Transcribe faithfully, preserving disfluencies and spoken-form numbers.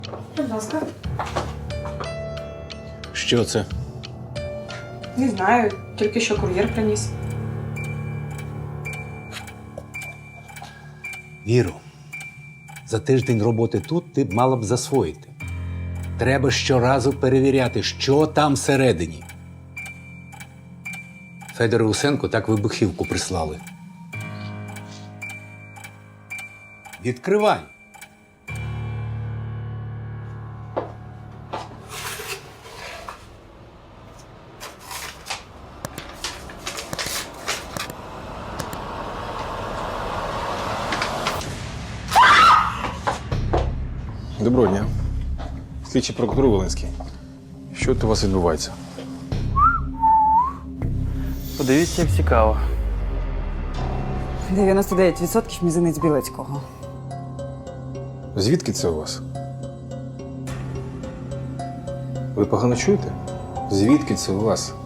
Будь ласка. Що це? Не знаю, тільки що кур'єр приніс. Віру, за тиждень роботи тут ти б мала б засвоїти. Треба щоразу перевіряти, що там всередині. Федору Усенку так вибухівку прислали. Відкривай! Доброго дня. Слідчий прокурор Волинський. Що тут у вас відбувається? Подивіться, як цікаво. дев'яносто дев'ять відсотків мізинець Білецького. Звідки це у вас? Ви погано чуєте? Звідки це у вас?